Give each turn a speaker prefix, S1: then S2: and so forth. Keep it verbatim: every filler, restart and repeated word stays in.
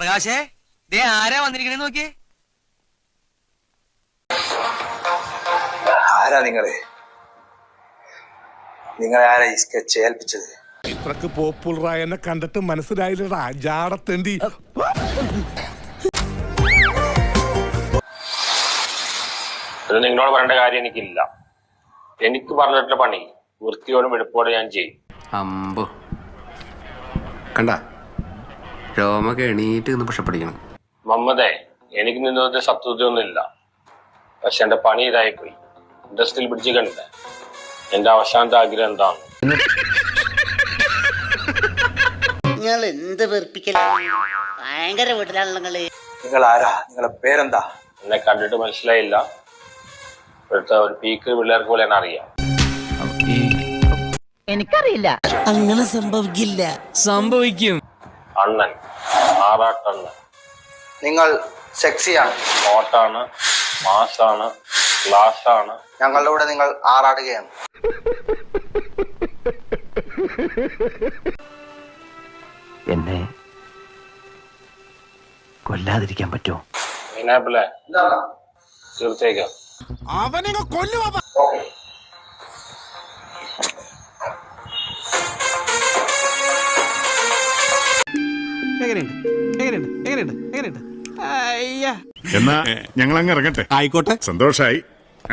S1: പ്രകാശേ ദേ ആരാ വന്നിരിക്കണേ നോക്കിയേ.
S2: ആരാ നിങ്ങള്? നിങ്ങളെ ആരാ ഈ സ്കെച്ച് ഏൽപ്പിച്ചത്?
S3: ഇത്രക്ക് പോപ്പുലറായ എന്നെ കണ്ടിട്ട് മനസ്സിലായില്ലടാ ജാടത്തേണ്ടി.
S4: അത് നിങ്ങളോട് പറയേണ്ട കാര്യം എനിക്കില്ല. എനിക്ക് പറഞ്ഞിട്ടുള്ള പണി വൃത്തിയോടും വെടുപ്പോടെ ഞാൻ ചെയ്യും.
S5: അമ്പോ കണ്ട രോമൊക്കെ എണീറ്റ് നിന്ന് പുഷപ്പടിക്കണം.
S4: മമ്മദേ, എനിക്ക് നിന്നതിന്റെ ശത്രുതയൊന്നുമില്ല. പക്ഷെ എന്റെ പണി ഇതായി പോയി. ഇൻഡസ്ട്രിയിൽ പിടിച്ച് കണ്ടേ. എന്റെ അവസാനത്തെ ആഗ്രഹം എന്താണ്?
S6: നിങ്ങൾ എന്ത് വെറുപ്പിക്കലാണ്? ഭയങ്കര വീട്ടിലാണല്ലോ നിങ്ങള്.
S2: നിങ്ങൾ ആരാ? നിങ്ങളെ പേരെന്താ?
S4: എന്നെ കണ്ടിട്ട് മനസ്സിലായില്ല. ഇവിടുത്തെ ഒരു പീക്ക് പിള്ളേർക്ക് പോലെ എന്നെ അറിയാം.
S6: എനിക്കറിയില്ല. അങ്ങനെ സംഭവിക്കില്ല.
S1: സംഭവിക്കും.
S4: അണ്ണൻ, ആറാട്ടണ്ണൻ.
S2: നിങ്ങൾ സെക്സിയാണ്,
S4: ഹോട്ടാണ്, മാസാണ്, ക്ലാസ് ആണ്.
S2: ഞങ്ങളുടെ കൂടെ നിങ്ങൾ ആറാടുകയാണ്.
S7: എന്നെ കൊല്ലാതിരിക്കാൻ പറ്റുമോ?
S4: പൈനാപ്പിളെ തീർച്ചയായും
S3: അവനെ കൊല്ലുവാ.
S1: എങ്ങനെയുണ്ട് എങ്ങനെയുണ്ട് എങ്ങനെയുണ്ട് എങ്ങനെയുണ്ട്? അയ്യാ,
S8: എന്നാ ഞങ്ങൾ അങ്ങ് ഇറങ്ങട്ടെ. ആയിക്കോട്ടെ, സന്തോഷായി.